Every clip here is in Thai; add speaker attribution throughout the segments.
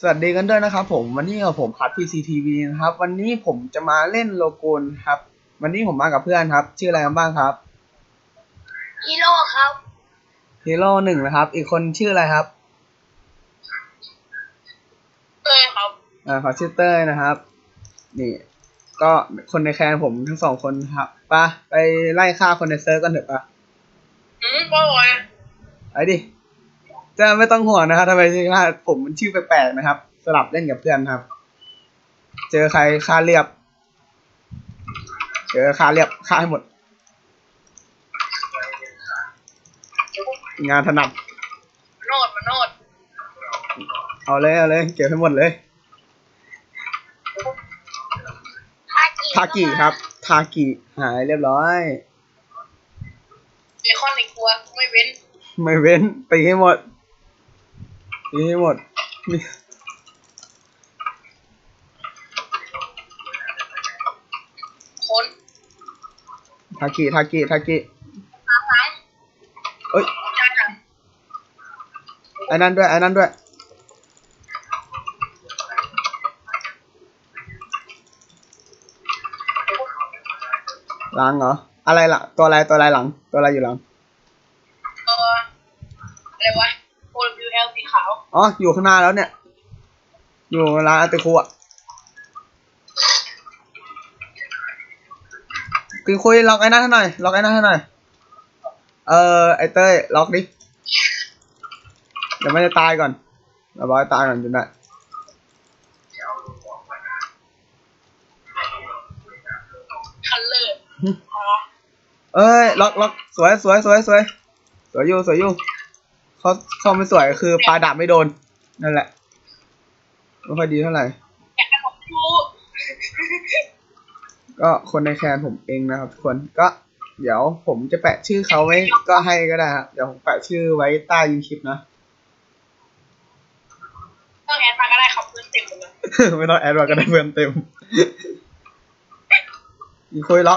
Speaker 1: สวัสดีกันด้วยนะครับผมวันนี้กับผมพัด PCTV นะครับวันนี้ผมจะมาเล่นโลโกนครับวันนี้ผมมากับเพื่อนครับชื่ออะไรกันบ้างครับ
Speaker 2: ฮีโร่ครับ
Speaker 1: ฮีโร่หนึ่งนะครับอีกคนชื่ออะไรครับ
Speaker 2: เต้ยครับ
Speaker 1: ขอชื่อเต้ยนะครับนี่ก็คนในแคนผมทั้งสองคนครับไปไล่ฆ่าคนในเซิร์ฟกันเถอะ
Speaker 2: บ่อย
Speaker 1: ไอ้ดิจะไม่ต้องห่วงนะครับทำไมชื่อผมมันชื่อแปลกๆนะครับสลับเล่นกับเพื่อนครับเจอใครฆ่าเรียบฆ่าให้หมดงานถนัด
Speaker 2: โนด
Speaker 1: เอาเลยเก็บให้หมดเลยทากิครับทากิหายเรียบร้อย
Speaker 2: เบคอนในครัวไม่เว้น
Speaker 1: ตีให้หมด
Speaker 2: คน
Speaker 1: ทากิ
Speaker 2: หลัง
Speaker 1: เอ้ย
Speaker 2: จ้าจ้า
Speaker 1: ไอ้นั่นด้วยหลังเหรออะไรล่ะตัวอะไรหลังตัวอะไรอยู่หลัง
Speaker 2: อะไรวะ OWL สีขาว
Speaker 1: อ๋ออยู่ข้างหน้าแล้วเนี่ยอยู่ร้านอาเตคุอ่ะคุยล็อกไอ้นั่นให้หน่อยไอ้เต้ยล็อกดิเดี๋ยวไม่ได้ตายก่อนเราบอกให้ตายก่อนจนได้
Speaker 2: คัลเลอร์
Speaker 1: เอ้ยล็อกสวยอยู่เขาไม่สวยคือปลาดาบไม่โดนนั่นแหละไม่ค่อยดีเท่าไหร่
Speaker 2: แกะของกู
Speaker 1: ก็คนในแคนผมเองนะครับทุกคนก็เดี๋ยวผมจะแปะชื่อเขาไว้ก็ให้ก็ได้ครับเดี๋ยวผมแปะชื่อไว้ใต้ยูคลิปนะ
Speaker 2: ต้องแอดมาก็ได้ครับเพื่อนเต็มเลย
Speaker 1: ไม่ต้องแอดว่าก็ได้เพื่อนเต็มอีคุยล็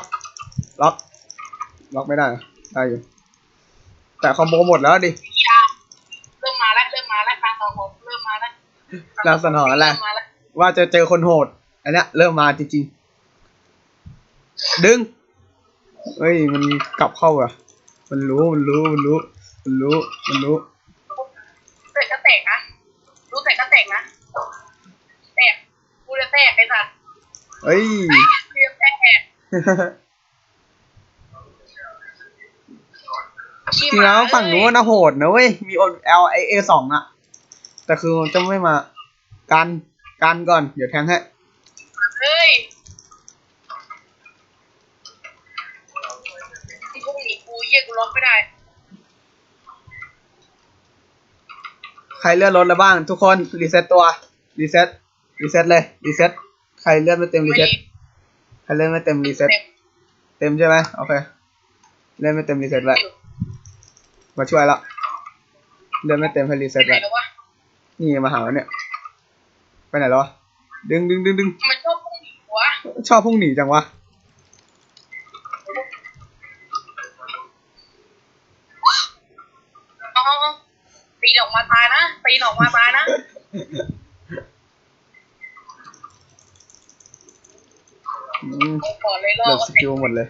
Speaker 1: อกไม่ได้ได้อยู่แต่คอมโบหมดแล้วดิ
Speaker 2: เริ่มมาแล้วการสังหรณ์เริ่มมาแล้ว
Speaker 1: ลักษณะอะไรว่าจะเจอคนโหดอันเนี้ยเริ่มมาจริงๆดึงเฮ้ยมันกลับเข้าอ่ะมันรู้
Speaker 2: เตะก็แตกนะรู้แตกก็แตกนะแตกกูจะแตกไอ้สัตว์
Speaker 1: เฮ้ย
Speaker 2: กูจะแตก
Speaker 1: จริงแล้วฝั่งนู้นนะโหดนะเว้ยมี LIA2 อ่ะแต่คือจะไม่มากันก่อนเดี๋ยวแทงให้
Speaker 2: เฮ้ยพวกหนีกูเยี่ยกูล็อกไม่ได้
Speaker 1: ใครเลื่อนรถแล้วบ้างทุกคนรีเซ็ตตัวรีเซ็ตเลยใครเลื่อนไม่เต็มรีเซ็ตใครเลื่อนไม่เต็มรีเซ็ตเต็มใช่ไหมโอเคเลื่อนไม่เต็มรีเซ็ตไว้มาช่วยละเลื่อนไม่เต็มให้รีเซ็ตไว้นี่มาหาเนี่ยไปไหนแล้ววะดึง
Speaker 2: มันชอบพุ่งหนีวะ
Speaker 1: ชอบพุ่งหนีจังวะ
Speaker 2: ตีออกมาตายนะก่อนเลยรอ
Speaker 1: เลิกสกิลหมดเลย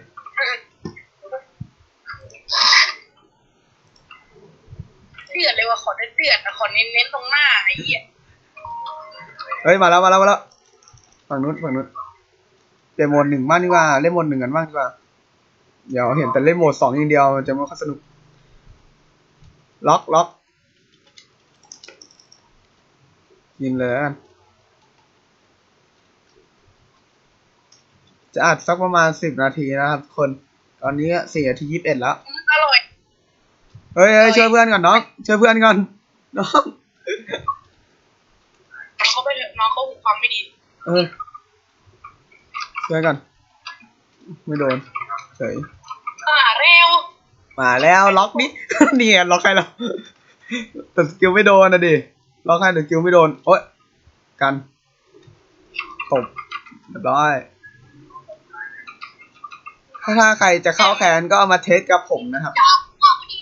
Speaker 2: เดือดเลยว่ะขอเดือดขอเน้นตรงหน้าไอ้เหี้ย
Speaker 1: เฮ้ยมาแล้วฝั่งนู้นเปลี่ยนโหมด 1บ้างดีกว่าเล่นโหมด 1กันบ้างดีกว่าเดี๋ยวเห็นแต่เล่นโหมด 2อย่างเดียวมันจะไม่ค่อยสนุกล็อกยิงเลยกันจะอัดสักประมาณ10 นาทีนะครับคนตอนนี้4 นาที 21แล้ว
Speaker 2: อร่อย
Speaker 1: เฮ้ยช่วยเพื่อนก่อนน้องช่วยเพื่อนก่อนน้อง
Speaker 2: เขาไปเถอะน้องเขาหูความไม่ดี
Speaker 1: ช่วยกันไม่โดนเฉย
Speaker 2: มา
Speaker 1: แล้วล็อกนี่ นี่ล็อกใครแล้วแต่สกิลไม่โดนนะดิล็อกใครแต่สกิลไม่โดนโอ๊ยกันตบเรียบร้อยถ้าใครจะเข้าแคนก็เอามาเทสกับผมนะครับ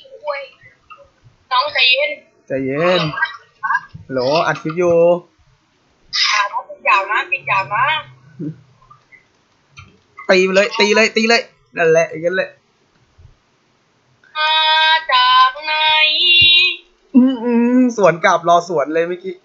Speaker 2: น้องใจเย็น
Speaker 1: โหลอัดคลิปอยู่
Speaker 2: ติดยาวนะติดยาวนะ
Speaker 1: ตีไปเลยตีเลยตีเลยนั่นแหละอย่างนั้นแหละ
Speaker 2: มาจากไหน
Speaker 1: สวนกลับรอสวนเลยเมื่อกี้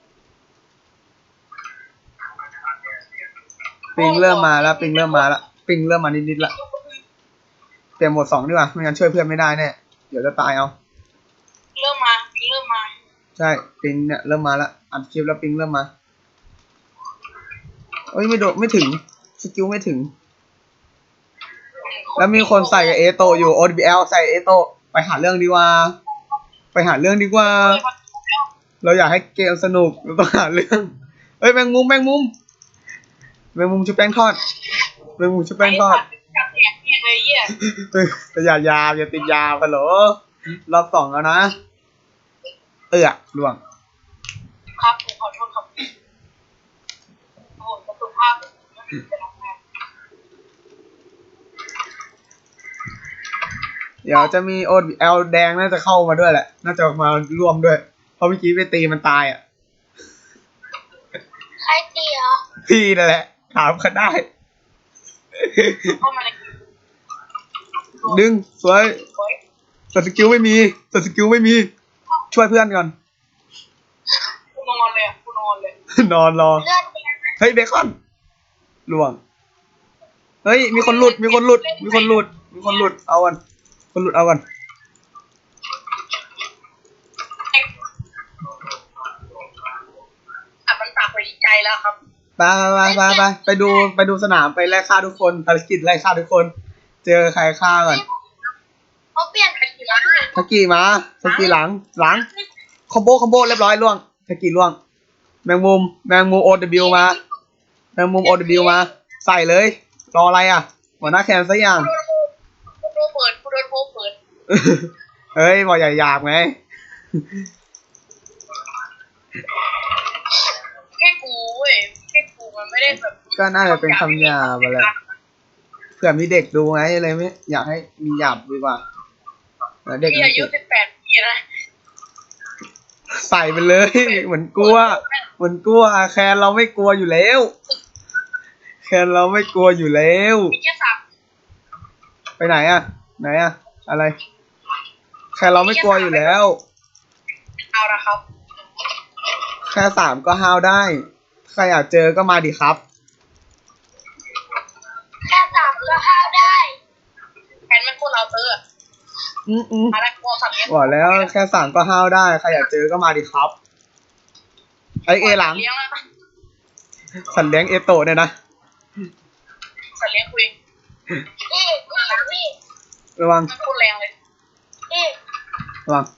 Speaker 1: ปิงเริ่มมาแล้วปิงเริ่มมาแล้วปิงเริ่มมานิดๆละเปลี่ยนโหมด2ดีกว่าไม่งั้นช่วยเพื่อนไม่ได้แน่เดี๋ยวจะตายเอา
Speaker 2: เริ่มมา
Speaker 1: ใช่ปิงเนี่ยเริ่มมาแล้วอัดคลิปแล้วปิงเริ่มมาเอ้ยไม่โดดไม่ถึงสกิลไม่ถึงแล้วมีคนใส่กับเอโตอยู่ ODBL ใส่เอโตไปหาเรื่องดีกว่าไปหาเรื่องดีกว่าเราอยากให้เกมสนุกเราต้องหาเรื่องเอ้ยแมงมุมชุบแป้งทอดแมงมุมชุบแป้งทอด
Speaker 2: จับแอกเลยเหี้ย
Speaker 1: แต่อย่าติดยาฮัลโหลรอบ2แล้วนะล่วง
Speaker 2: ครับผมขอโทษครับโอ้โหสุขภาพจะรับงาน
Speaker 1: เดี๋ยวจะมี ODBL แดงน่าจะเข้ามาด้วยแหละน่าจะมาร่วมด้วยเพราะเมื่อกี้ไปตีมันตายอ่ะ
Speaker 2: ใครตีเหรอ
Speaker 1: พี่นั่นแหละถามเขาได้
Speaker 2: เข้ามาใน
Speaker 1: ดึงสวยแต่สกิลไม่มีช่วยเพื่อนก่อน
Speaker 2: กูนอนเลยอ่ะกูนอนเลย
Speaker 1: นอนรอ
Speaker 2: เลือด
Speaker 1: เฮ้ยเบคอนล่วงเฮ้ยมีคนหลุดเอากันคนหลุดเอากัน
Speaker 2: มันตักไปใจแล้วครับ
Speaker 1: ไปดูสนามไปไล่ฆ่าทุกคนภารกิจไล่ฆ่าทุกคน เจอใครฆ่าก่อน
Speaker 2: เขาเปลี่ยนไปกี่ร้าน
Speaker 1: สกีมาสกีหลังคอมโบเรียบร้อยล่วงสกีล่วงแมงมุมOW มาแมงมุม OW มาใส่เลยรออะไรอ่ะหัวหน้าแคนสักอย่าง
Speaker 2: กูโดนเปิด
Speaker 1: เฮ้ยบอกอย่าหยาบไง
Speaker 2: แค่กูเว้ยแค่กูมันไม่ได้แบบ
Speaker 1: ก็น่าจะเป็นคำหยาบอะไรเผื่อมีเด็กดูไงเลยไม่อยากให้มีหยาบดีกว่าเด็ก
Speaker 2: ที่อายุ18 ปีนะ
Speaker 1: ใส่ไปเลยเหมือนกลัวแคนเราไม่กลัวอยู่แล้ว
Speaker 2: แค่สับ
Speaker 1: ไปไหนอ่ะอะไรแคนเราไม่กลัวอยู่แล้ว
Speaker 2: เอาละครับ
Speaker 1: แค่3ก็ห้าวได้ใครอยากเจอก็มาดิครับ
Speaker 2: แค่สับก็ห้าวได้แอนมันโคตรเราเตอร์อะไรกลัวสับเนี้ย
Speaker 1: บอกแล้วแค่3ก็ห้าวได้ใครอยากเจอก็มาดิครับไอหลัง
Speaker 2: เลี้ยงแล้ว
Speaker 1: สัตว์เลี้ยงเอโตะเนี่ยนะ
Speaker 2: สัตว์เลี้ยงคุยพี่
Speaker 1: ระวัง
Speaker 2: มันโคตรแรงเลยพี่
Speaker 1: ระวัง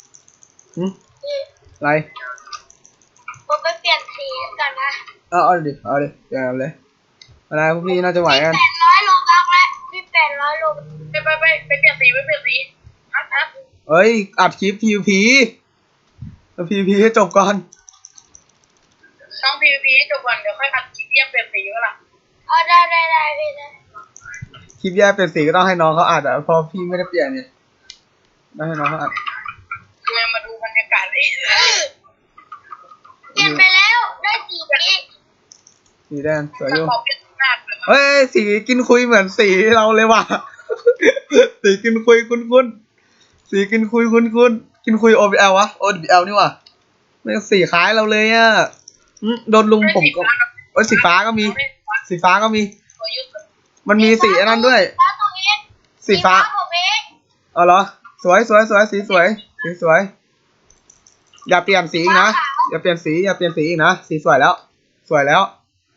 Speaker 1: อะไร
Speaker 2: ผมไปเปลี่ยนสีกันนะ
Speaker 1: เอาดิเดี๋ยวเลยอะไรพวกพี่น่าจะไหวกัน
Speaker 2: 800 โลบักแล้วพี่800 โลไปเปลี่ยนสีฮัท
Speaker 1: เอ้ยอัดคลิป PVP แล้ว PVP ให้จบก่อน
Speaker 2: น้อง PVP ให้จบก่อนเดี๋ยวค่อยอัดคลิปเยี่ยมเปลี่ยนสีก็ล่ะได้พี่นะ
Speaker 1: คลิปแยกเป็นสีก็ต้องให้น้องเขาอัดอ่ะเพราะพี่ไม่ได้เปลี่ยนเนี่ยต้องให้น้องเขาอัด
Speaker 2: คือมาดูบรรยากาศเลยเปลี่ยนไปแล้วได้สีนี้
Speaker 1: สีแดงสวยอยู่
Speaker 2: ขอเปลี่ยนหน้าเลย
Speaker 1: เฮ้ยสีกินคุยเหมือนสีเราเลยว่ะ สีกินคุยคุ้นสีกินคุยคุ้นกินคุย OBL วะ OBL นี่ว่ะไม่งสีคล้ายเราเลยอ่ะโดนลุงผมก็เอ้ยสีฟ้าก็มี มันมีสีอันนั้นด้วย สีฟ้าอ๋อเหรอสวยสีสวยอย่าเปลี่ยนสีอีกนะอย่าเปลี่ยนสีอีกนะสีสวยแล้วสีสวยแล้ว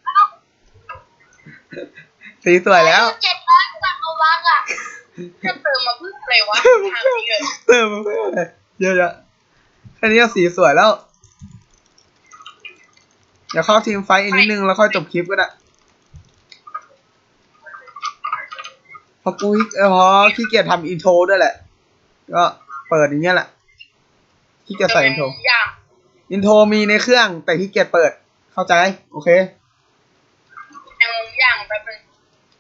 Speaker 2: 700 กว่าโลบักอ่ะจะเติมมาเพื่ออะไรวะทางนี้เลย
Speaker 1: เติมมาเพื่ออะไรเยอะๆแค่นี้ก็สีสวยแล้วเดี๋ยวเข้าทีมไฟท์อีกนิดนึงแล้วค่อยจบคลิปก็ได้พอขี้เกียจทำอินโทรด้วยแหละก็เปิดอย่างเงี้ยแหละขี้เกียจใส่อินโทรมีในเครื่องแต่ขี้เกียจเปิดเข้าใจโอเค
Speaker 2: อย่างแป๊บนึง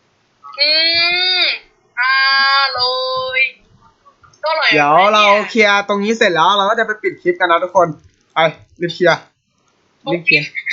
Speaker 2: อร่อยก็อร่อย
Speaker 1: เดี๋ยวเราเคลียร์ตรงนี้เสร็จแล้วเราก็จะไปปิดคลิปกันนะทุกคนไปรีบเคลียร์